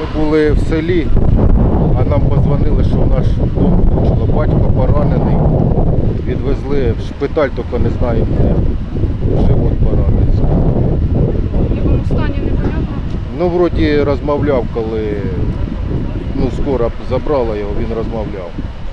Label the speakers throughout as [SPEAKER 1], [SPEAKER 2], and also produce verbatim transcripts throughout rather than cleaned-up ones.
[SPEAKER 1] були в селі, а нам подзвонили, що наш дом влучило. Батько поранений. Відвезли в шпиталь, тільки не знаю де. Живот поранений.
[SPEAKER 2] В якому стані непонятно?
[SPEAKER 1] Ну, вроді розмовляв, коли ну, скоро забрала його, він розмовляв.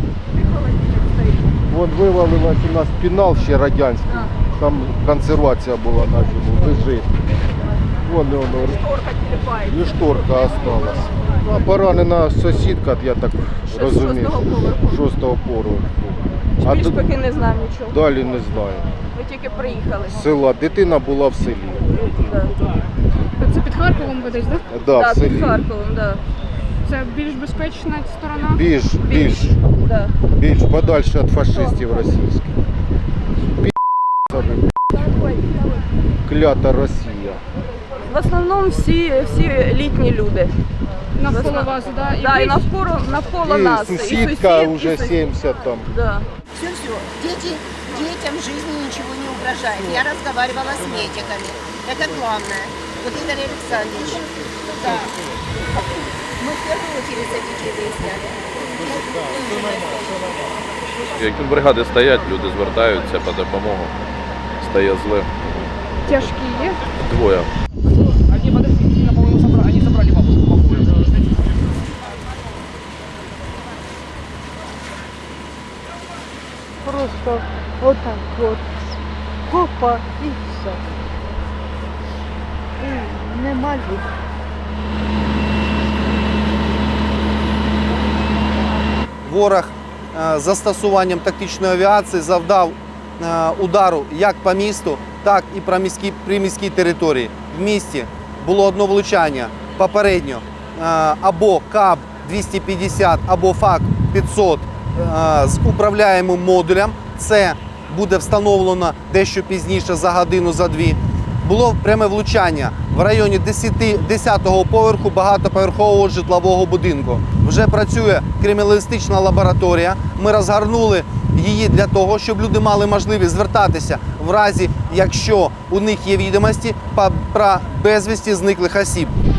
[SPEAKER 1] Вон вивалилась у нас пінал ще радянський. Там консервація була на зиму, лежить. Вон воно. І шторка осталась. А поранена сусідка, я так розумію, шостого поверху.
[SPEAKER 3] А більш поки не знаємо нічого.
[SPEAKER 1] Далі не знаю.
[SPEAKER 3] Ми тільки приїхали.
[SPEAKER 1] З села. Дитина була в селі.
[SPEAKER 3] Да.
[SPEAKER 2] Це під Харковом ви десь, так?
[SPEAKER 1] Да,
[SPEAKER 3] Да,
[SPEAKER 1] в селі.
[SPEAKER 3] під Харковом, да.
[SPEAKER 2] Це більш безпечна сторона?
[SPEAKER 1] Більш, більш,
[SPEAKER 3] Да.
[SPEAKER 1] більш подальше від фашистів російських. Клята Росія.
[SPEAKER 3] В основному всі, всі літні люди.
[SPEAKER 2] Навколо вас, да?
[SPEAKER 3] І, да, і навколо, навколо
[SPEAKER 1] І
[SPEAKER 3] нас.
[SPEAKER 1] сусідка
[SPEAKER 3] і сусід,
[SPEAKER 1] вже
[SPEAKER 3] і сусід.
[SPEAKER 1] сімдесят там.
[SPEAKER 3] Да.
[SPEAKER 4] Все-все. Дети, детям в жизни ничего не угрожает. Я разговаривала с медиками. Это главное. Вот Игорь Александрович. Да. Мы в первую очередь за детей выясняли.
[SPEAKER 5] Як тут бригади стоять, люди звертаються по допомогу. Стає зле.
[SPEAKER 2] Тяжкі є?
[SPEAKER 5] Двоє.
[SPEAKER 6] Они подошли, по-моему, забрали, они забрали бабушку покойную.
[SPEAKER 7] Просто отак от, хопа і все. І нема їх.
[SPEAKER 8] Ворог е, застосуванням тактичної авіації завдав е, удару як по місту, так і про міські, при міській території. В місті було одне влучання попередньо е, або КАБ двісті п'ятдесят, або ФАК п'ятсот е, з управляємим модулем. Це буде встановлено дещо пізніше, за годину, за дві. Було пряме влучання в районі десятого поверху багатоповерхового житлового будинку. Вже працює криміналістична лабораторія. Ми розгорнули її для того, щоб люди мали можливість звертатися в разі, якщо у них є відомості про безвісті зниклих осіб.